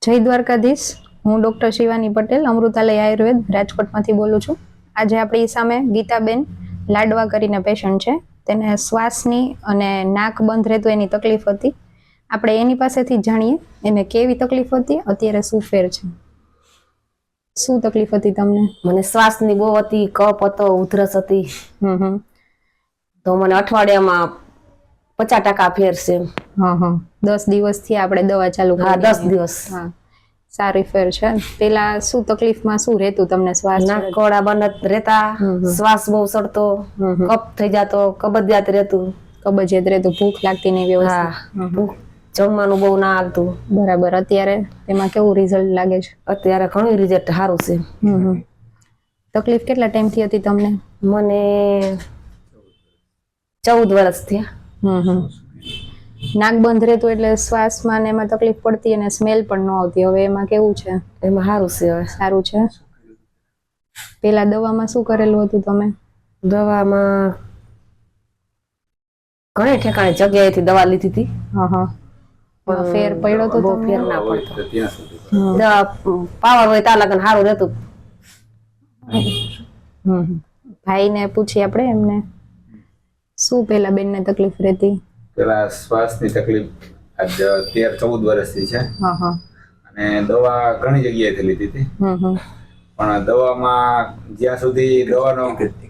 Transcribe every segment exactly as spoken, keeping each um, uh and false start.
જય દ્વારકાધીશ. હું ડોક્ટર શિવાની પટેલ, અમૃતાલય આયુર્વેદ રાજકોટમાંથી બોલું છું. આજે આપણી સામે ગીતાબેન લાડવા કરીને પેશન્ટ છે. તેને શ્વાસની અને નાક બંધ રહેતું એની તકલીફ હતી. આપણે એની પાસેથી જાણીએ એને કેવી તકલીફ હતી, અત્યારે શું ફેર છે. શું તકલીફ હતી તમને? મને શ્વાસની બહુ હતી, કફ હતો, ઉધરસ હતી. હમ હમ તો મને અઠવાડિયામાં પચાસ ટકા ફેર છે. હા હા દસ દિવસથી આપણે દવા ચાલુ કરી. હા, દસ દિવસ. હા, સારી ફેર છે. પેલા શું તકલીફમાં શું રહેતું તમને? શ્વાસ નાકોડા બંધ રહેતા, શ્વાસ બહુ સડતો, કફ થઈ જતો, કબજિયાત રહેતું. કબજિયાત રહેતું, ભૂખ લાગતી નહીં વ્યવસ્થિત. ભૂખ જમવાનું બહુ ના આવતું. બરાબર. અત્યારે એમાં કેવું રિઝલ્ટ લાગે છે? અત્યારે ઘણું રિઝલ્ટ સારું છે. હમ તકલીફ કેટલા ટાઈમથી હતી તમને? મને ચૌદ વર્ષ થયા. હમ હમ નાક બંધ રહેતું એટલે શ્વાસમાં ને એમાં તકલીફ પડતી અને સ્મેલ પણ ન આવતી. હવે એમાં કેવું છે? એમાં સારું છે. હવે સારું છે. પેલા દવામાં શું કરેલું હતું તમે? દવામાં ઘણી ઠેકાણે જગ્યાએથી દવા લીધી હતી. હા હા પણ ફેર પડ્યો તો? બહુ ફેર ના પડતો. દવા પાવર હોય ત્યાં લગન સારું રહેતું. હમ ભાઈને પૂછી આપણે એમને શું પેલા બેનને તકલીફ રહેતી? પેલા શ્વાસની તકલીફ આજ તેર ચૌદ વર્ષથી છે. હા હા અને દવા ઘણી જગ્યાએથી લીધી હતી. હમ હમ પણ દવામાં જ્યાં સુધી દવાનો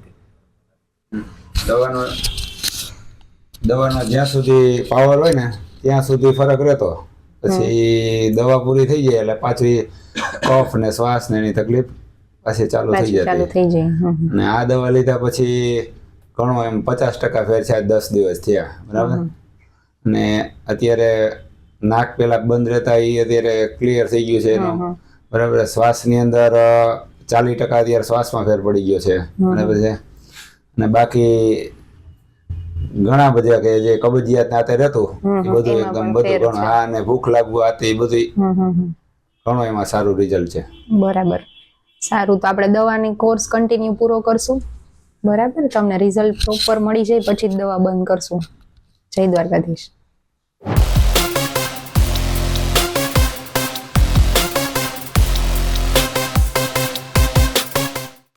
દવાનો દવાનો જ્યાં સુધી પાવર હોય ને ત્યાં સુધી ફરક રહેતો. પછી દવા પૂરી થઈ જાય એટલે પાછી કફ ને શ્વાસ ને એની તકલીફ પાછી ચાલુ થઈ જતી. ચાલુ થઈ જાય. અને આ દવા લીધા પછી ઘણો એમ પચાસ ટકા ફેર છે. દસ દિવસ થયા, બરાબર. ને અત્યારે નાક પેલા બંધ રહેતા એ અત્યારે ક્લિયર થઈ ગયું છે એનો, બરાબર. શ્વાસની અંદર ચાલીસ ટકા અત્યારે શ્વાસમાં ફેર પડી ગયો છે, બરાબર છે. અને બાકી ઘણા બધા કે જે કબજિયાત નાતે રહેતું એ બધું એકદમ બધું ઘણું. હા, અને ભૂખ લાગવું આ તે બધું ઘણો એમાં સારું રિઝલ્ટ છે. બરાબર. સારું, તો આપણે દવાની કોર્સ કન્ટિન્યુ પૂરો કરશું, બરાબર. તમને રિઝલ્ટ પ્રોપર મળી જાય પછી જ દવા બંધ કરશું. જય દ્વારકાધીશ.